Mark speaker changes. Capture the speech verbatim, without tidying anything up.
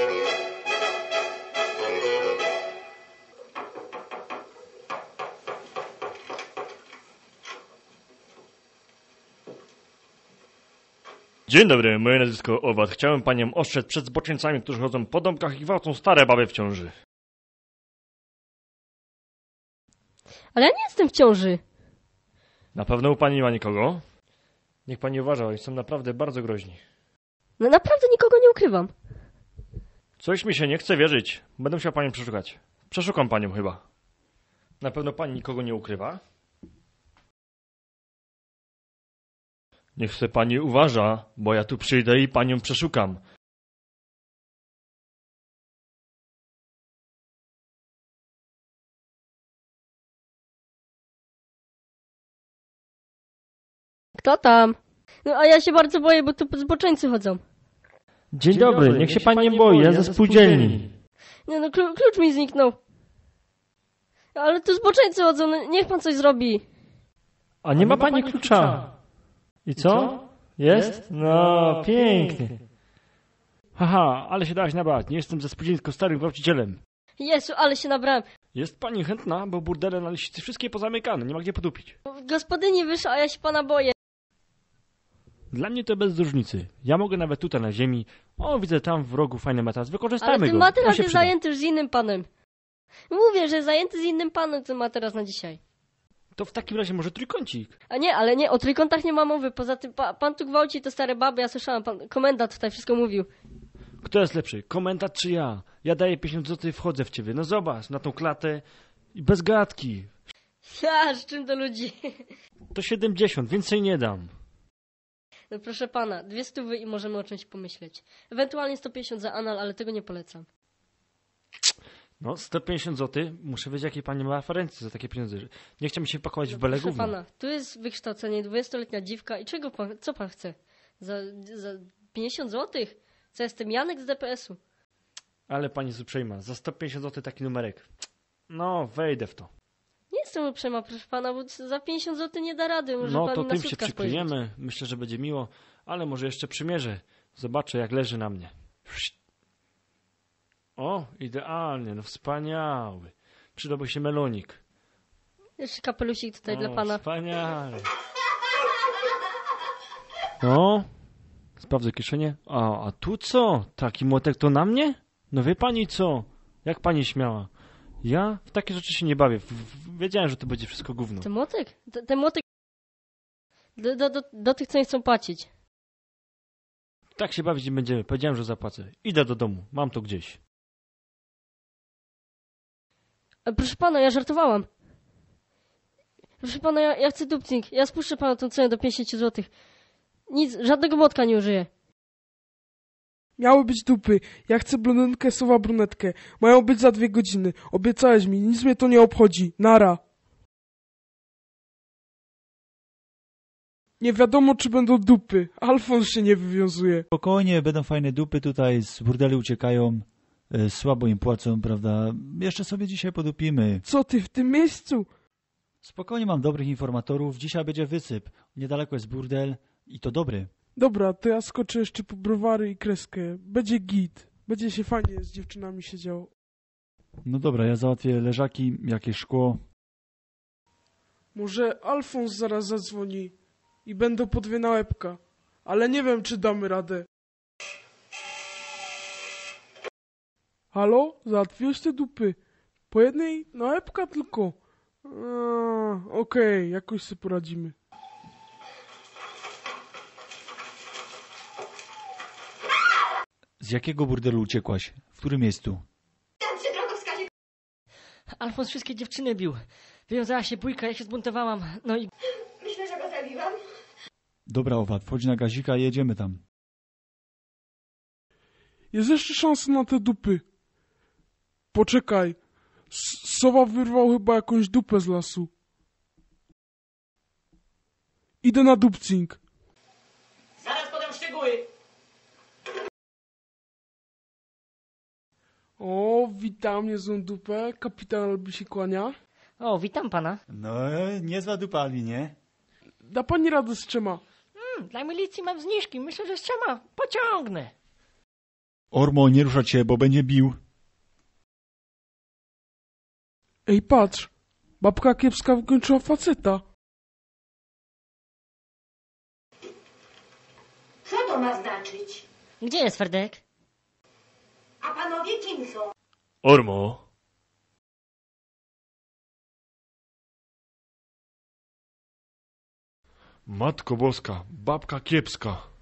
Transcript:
Speaker 1: Dzień dobry, moje nazwisko Owad. Chciałem panią ostrzec przed zboczeńcami, którzy chodzą po domkach i gwałcą stare baby w ciąży.
Speaker 2: Ale ja nie jestem w ciąży.
Speaker 1: Na pewno u pani nie ma nikogo? Niech pani uważa, oni są naprawdę bardzo groźni.
Speaker 2: No naprawdę nikogo nie ukrywam.
Speaker 1: Coś mi się nie chce wierzyć. Będę musiał panią przeszukać. Przeszukam panią chyba. Na pewno pani nikogo nie ukrywa? Niech se pani uważa, bo ja tu przyjdę i panią przeszukam.
Speaker 2: Kto tam? No a ja się bardzo boję, bo tu zboczeńcy chodzą.
Speaker 1: Dzień, Dzień dobry, dobry, niech się pan nie boi, ja ze spółdzielni.
Speaker 2: Nie no, klu klucz mi zniknął. Ale tu zboczeńcy chodzą, no, niech pan coś zrobi.
Speaker 1: A nie, A ma, nie ma pani klucza. klucza. I co? I co? Jest? No, pięknie. Haha, ale się dałaś nabrać. Nie jestem ze spółdzielni, tylko starym gwałcicielem.
Speaker 2: Jezu, ale się nabrałem.
Speaker 1: Jest pani chętna, bo burdele na liście wszystkie pozamykane, nie ma gdzie podupić.
Speaker 2: Gospodyni wyszła, a ja się pana boję.
Speaker 1: Dla mnie to bez różnicy. Ja mogę nawet tutaj na ziemi. O, widzę tam w rogu fajny materac. Wykorzystajmy
Speaker 2: ale
Speaker 1: go.
Speaker 2: Ale ten materac jest
Speaker 1: przyda.
Speaker 2: zajęty już z innym panem. Mówię, że jest zajęty z innym panem ten materac na dzisiaj.
Speaker 1: To w takim razie może trójkącik.
Speaker 2: A nie, ale nie, o trójkątach nie ma mowy. Poza tym pa, pan tu gwałci te stare baby, ja słyszałem, pan komendant tutaj wszystko mówił.
Speaker 1: Kto jest lepszy, komendant czy ja? Ja daję pięćdziesiąt złotych i wchodzę w ciebie. No zobacz, na tą klatę i bez gadki.
Speaker 2: Ja, z czym do ludzi?
Speaker 1: To siedemdziesiąt, więcej nie dam.
Speaker 2: No proszę pana, dwie stówy i możemy o czymś pomyśleć. Ewentualnie sto pięćdziesiąt za anal, ale tego nie polecam.
Speaker 1: No, sto pięćdziesiąt złotych. Muszę wiedzieć, jakie pani ma referencje za takie pieniądze. Nie chciałbym się pakować
Speaker 2: no,
Speaker 1: w bele
Speaker 2: proszę
Speaker 1: gówno.
Speaker 2: pana, tu jest wykształcenie, dwudziestoletnia dziwka i czego pan, co pan chce? Za, za pięćdziesiąt złotych? Co, jestem Janek z D P S u?
Speaker 1: Ale pani jest uprzejma, za sto pięćdziesiąt złotych taki numerek. No, wejdę w to.
Speaker 2: Nie jestem uprzejma, proszę pana, bo za pięćdziesiąt złotych nie da rady. Może
Speaker 1: no
Speaker 2: pan
Speaker 1: to
Speaker 2: na
Speaker 1: tym się
Speaker 2: sutka
Speaker 1: przykryjemy.
Speaker 2: spojrzeć.
Speaker 1: Myślę, że będzie miło, ale może jeszcze przymierzę. Zobaczę, jak leży na mnie. O, idealnie, no wspaniały. Przydałby się melonik.
Speaker 2: Jeszcze kapelusik tutaj
Speaker 1: o,
Speaker 2: dla pana.
Speaker 1: Wspaniale. No, sprawdzę kieszenie. A, a tu co? Taki młotek to na mnie? No wie pani co? Jak pani śmiała? Ja w takie rzeczy się nie bawię. W, w, wiedziałem, że to będzie wszystko gówno.
Speaker 2: Ten młotek? Ten, ten młotek do, do, do, do tych, co nie chcą płacić.
Speaker 1: Tak się bawić nie będziemy. Powiedziałem, że zapłacę. Idę do domu. Mam to gdzieś.
Speaker 2: Ale proszę pana, ja żartowałam. Proszę pana, ja, ja chcę dupcing. Ja spuszczę panu tą cenę do pięćdziesiąt złotych. Nic, żadnego młotka nie użyję.
Speaker 3: Miały być dupy. Ja chcę blondynkę, sowa brunetkę. Mają być za dwie godziny. Obiecałeś mi, nic mnie to nie obchodzi. Nara. Nie wiadomo, czy będą dupy. Alfons się nie wywiązuje.
Speaker 4: Spokojnie, będą fajne dupy tutaj, z burdeli uciekają, y, słabo im płacą, prawda? Jeszcze sobie dzisiaj podupimy.
Speaker 3: Co ty w tym miejscu?
Speaker 4: Spokojnie, mam dobrych informatorów. Dzisiaj będzie wysyp. Niedaleko jest burdel i to dobry.
Speaker 3: Dobra, to ja skoczę jeszcze po browary i kreskę. Będzie git. Będzie się fajnie z dziewczynami siedziało.
Speaker 4: No dobra, ja załatwię leżaki, jakieś szkło.
Speaker 3: Może Alfons zaraz zadzwoni i będą po dwie na łebka. Ale nie wiem, czy damy radę. Halo? Załatwiłeś te dupy? Po jednej na łebka tylko. Okej, okay, jakoś sobie poradzimy.
Speaker 4: Z jakiego burdelu uciekłaś? W którym miejscu?
Speaker 5: Tam przy drogowskazie.
Speaker 2: Alfons wszystkie dziewczyny bił. Wywiązała się bójka, ja się zbuntowałam. No i...
Speaker 5: Myślę, że go zabiłam.
Speaker 4: Dobra, Owad, wchodź na gazika i jedziemy tam.
Speaker 3: Jest jeszcze szansa na te dupy. Poczekaj. S Sowa wyrwał chyba jakąś dupę z lasu. Idę na dupcing.
Speaker 6: Zaraz podam szczegóły.
Speaker 3: O, witam, niezłą dupę. Kapitan Albi się kłania.
Speaker 2: O, witam pana.
Speaker 4: No, niezła dupa, Albi, nie?
Speaker 3: Da pani radę z trzema.
Speaker 6: Hmm, dla milicji mam zniżki. Myślę, że z trzema pociągnę.
Speaker 4: Ormo, nie ruszać się, bo będzie bił.
Speaker 3: Ej, patrz. Babka kiepska wykończyła faceta.
Speaker 5: Co to ma znaczyć?
Speaker 2: Gdzie jest Ferdek?
Speaker 5: A panowie kim są?
Speaker 1: Ormo. Matko Boska, babka kiepska.